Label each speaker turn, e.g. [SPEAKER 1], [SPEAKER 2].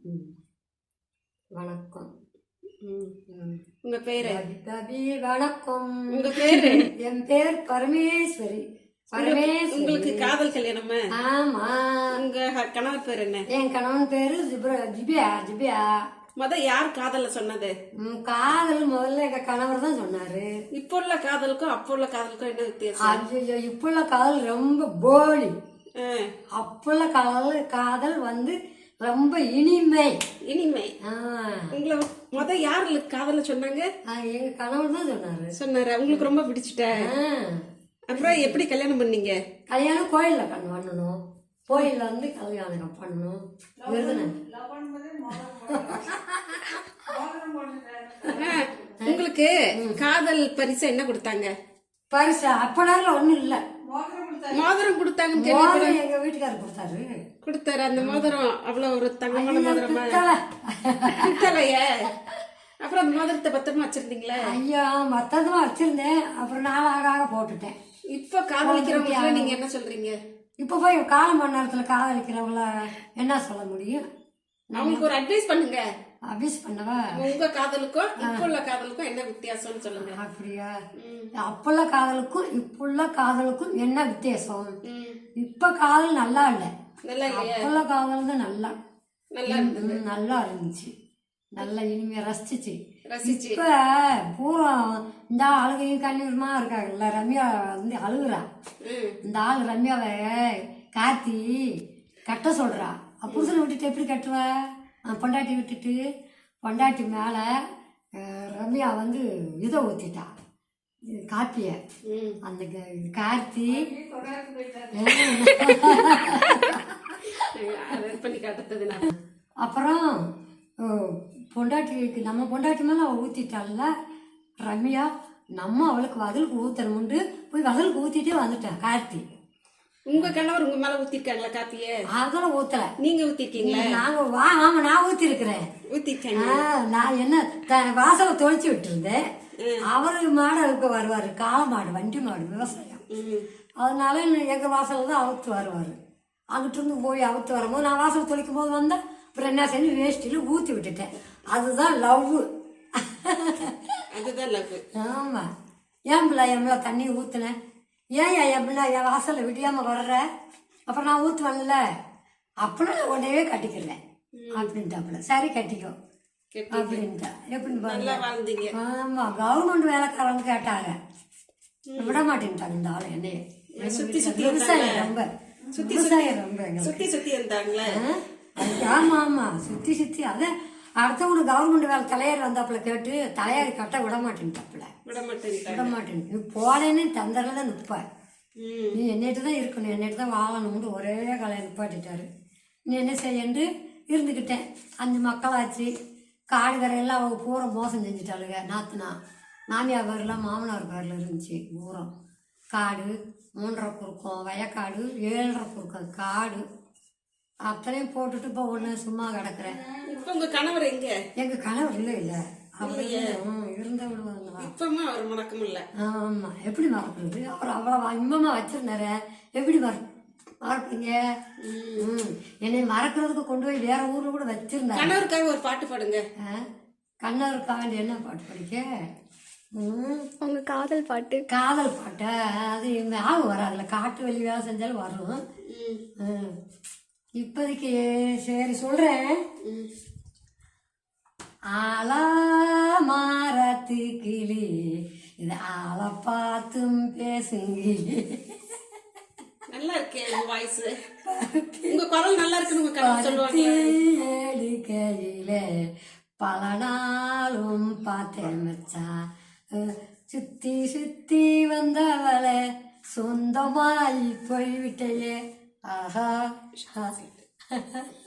[SPEAKER 1] வணக்கம்.
[SPEAKER 2] உங்க பேரு?
[SPEAKER 1] வணக்கம்.
[SPEAKER 2] உங்க பேரு?
[SPEAKER 1] என் பேர் பரமேஸ்வரி.
[SPEAKER 2] உங்களுக்கு காதல் கல்யாணமா?
[SPEAKER 1] ஆமா.
[SPEAKER 2] உங்க கணவர் பேர் என்ன?
[SPEAKER 1] என் கணவன் பேரு ஜிபியா.
[SPEAKER 2] யார் காதல சொன்னது?
[SPEAKER 1] காதல் முதல்ல எங்க கணவர் தான் சொன்னாரு.
[SPEAKER 2] இப்ப உள்ள காதலுக்கும் அப்ப உள்ள காதலுக்கும் என்ன வித்தியாசம்?
[SPEAKER 1] ஐயோ, இப்ப உள்ள காதல் ரொம்ப போலி. அப்ப உள்ள காதல் வந்து ரொம்ப இனிமை.
[SPEAKER 2] உங்களை யாரு காதல சொன்னாங்க?
[SPEAKER 1] எங்க கணவர் தான்
[SPEAKER 2] சொன்னாரு. உங்களுக்கு ரொம்ப பிடிச்சிட்ட. அப்புறம் எப்படி கல்யாணம் பண்ணீங்க?
[SPEAKER 1] கல்யாணம் கோயில்ல பண்ணணும். கோயில்ல வந்து கல்யாணம் பண்ணணும்.
[SPEAKER 2] உங்களுக்கு காதல் பரிசு என்ன கொடுத்தாங்க?
[SPEAKER 1] பரிசு அப்படால ஒண்ணும் இல்ல.
[SPEAKER 2] மோதிரம் கொடுத்தாங்க.
[SPEAKER 1] எங்க வீட்டுக்காரர்
[SPEAKER 2] கொடுத்தாரு. அந்த மோதிரம் அவ்வளவு ஒரு தங்கமான மோதிரமா? குத்தலைய. அப்புறம் அந்த மோதிரத்தை பத்திரமா வச்சிருந்தீங்களா?
[SPEAKER 1] ஐயா, மத்தமா வச்சிருந்தேன். அப்புறம் நாளாக போட்டுட்டேன்.
[SPEAKER 2] இப்ப காதலிக்கிறவங்க நீங்க என்ன சொல்றீங்க?
[SPEAKER 1] இப்ப போய் காலம் பண்ண நேரத்துல காதலிக்கிறவங்கள என்ன சொல்ல முடியும்?
[SPEAKER 2] அவங்களுக்கு ஒரு அட்வைஸ் பண்ணுங்க.
[SPEAKER 1] அட்வைஸ் பண்ணவா?
[SPEAKER 2] உங்க காதலுக்கும் இப்ப உள்ள காதலுக்கும் என்ன வித்தியாசம்னு சொல்லுங்க.
[SPEAKER 1] அப்படியா? அப்புள்ள காதலுக்கும் இப்புள்ள காதலுக்கும் என்ன வித்தியாசம்? இப்ப காதல் நல்லா இல்ல. அப்புள்ள காதல் தான் நல்லா இருந்துச்சு. நல்லா இனிமையா ரசிச்சு. இப்ப பூரா இந்த அழுகையும் கண்ணீருமா இருக்காங்கல்ல. ரம்யா வந்து அழுகுறா. இந்த ஆள் ரம்யாவை கார்த்தி கட்ட சொல்றா. புருஷனை விட்டுட்டு எப்படி கட்டுவ? பொண்டாட்டி விட்டுட்டு பொண்டாட்டி மேல ரம்யா வந்து இதை ஊத்திட்டா, காப்பிய. அந்த கார்த்தி அப்புறம் பொண்டாட்டிக்கு நம்ம பொண்டாட்டி மேல அவ ஊத்திட்டாள்ல ரம்யா. நம்ம அவளுக்கு வதலுக்கு ஊத்தணும்னு போய் வதலுக்கு ஊத்திட்டே வந்துட்டான் கார்த்தி.
[SPEAKER 2] உங்க கணவர் உங்க மேல ஊத்திருக்காங்களா காப்பிய?
[SPEAKER 1] அதெல்லாம் ஊத்தல.
[SPEAKER 2] நீங்க ஊத்திருக்கீங்களா?
[SPEAKER 1] ஆமா, நான் ஊத்திருக்கிறேன். நான் என்ன வாசலை தொலைச்சு விட்டு இருந்தேன். அவரு மாடு வருவாரு. காளை மாடு, வண்டி மாடு, விவசாயம். அதனால எங்க வாசல்ல தான் அவுத்து வருவாரு. அங்கிட்டு இருந்து போய் அவுத்து வரும்போது நான் வாசல் தொலைக்கும் போது வந்தேன். அப்புறம் என்ன செஞ்சு வேஷ்டியில ஊத்தி விட்டுட்டேன். அதுதான் லவ். ஆமா. என் பிள்ளை தண்ணி ஊத்துனேன். ஏன் என் பிள்ளை என் வாசல்ல விடியாம வர்ற? அப்புறம் நான் ஊத்துவன்ல, அப்படின்னா நான் உடனே கட்டிக்கிறேன் அப்படின்ட்டாப்புல. சரி கட்டிக்கோ அப்படின்ட்டா. எப்படி? ஆமா, கவர்மெண்ட் வேலைக்காரங்க கேட்டாங்க, விட மாட்டேன்ட்டாங்க இந்த ஆளு என்னைய. விவசாயம் ரொம்ப ஆமா ஆமா, சுத்தி அத அடுத்தவங்க கவர்மெண்ட் வேலை தலையார் வந்தாப்புல கேட்டு தலையாரி கட்ட விட மாட்டேன்ட்டாப்புல. போலேன்னு தந்தரில் தான் நிற்ப. நீ என்னிட்டு தான் இருக்கணும், என்னிட்டு தான் வாழணும்னு ஒரே கலையை நிப்பாட்டிட்டாரு. நீ என்ன செய்யண்டு இருந்துக்கிட்டேன். 5 மக்களாச்சு. காடு கரையெல்லாம் அவங்க பூரா மோசம் செஞ்சுட்டாளுங்க. நாத்துனா மாமியார் பேர்லாம் மாமனார் பேரில் இருந்துச்சு. பூரம் காடு 3.5 குறுக்கம், வயக்காடு 7.5 குறுக்கம் காடு அத்தனையும் போட்டுட்டு இப்போ ஒன்று சும்மா கிடக்குறேன்.
[SPEAKER 2] இப்போ உங்க கணவர் எங்க?
[SPEAKER 1] எங்க கணவர் இல்லை அவர் இருந்த விடுவாங்க.
[SPEAKER 2] அவர் மறக்கம் இல்லை.
[SPEAKER 1] ஆமா, எப்படி மறக்கிறது? அப்புறம் அவ்வளோ இன்பமா வச்சிருந்தாரு. எப்படி மறப்பீங்க? என்னை மறக்கிறதுக்கு கொண்டு போய் வேற ஊர்ல கூட வச்சிருந்தாரு.
[SPEAKER 2] கணவருக்காக ஒரு பாட்டு பாடுங்க.
[SPEAKER 1] கணவருக்காக என்ன பாட்டு படிக்க?
[SPEAKER 3] உங்க காதல் பாட்டு.
[SPEAKER 1] காதல் பாட்டை அது ஞாபகம் வராதுல. காட்டு வெளி வேலை செஞ்சாலும் வரும். இப்போதைக்கு சரி சொல்றேன். ஆலா மாரத்து கிளி இது ஆளை பார்த்தும் பேசுங்க.
[SPEAKER 2] நல்லா இருக்கே வாய்ஸ். உங்க குரல் நல்லா இருக்குன்னு
[SPEAKER 1] கையில பல நாளும் பார்த்தேன் மச்சான். சுத்தி சுத்தி வந்தவளை சொந்தமாய் போய்விட்டையே. ஆஹா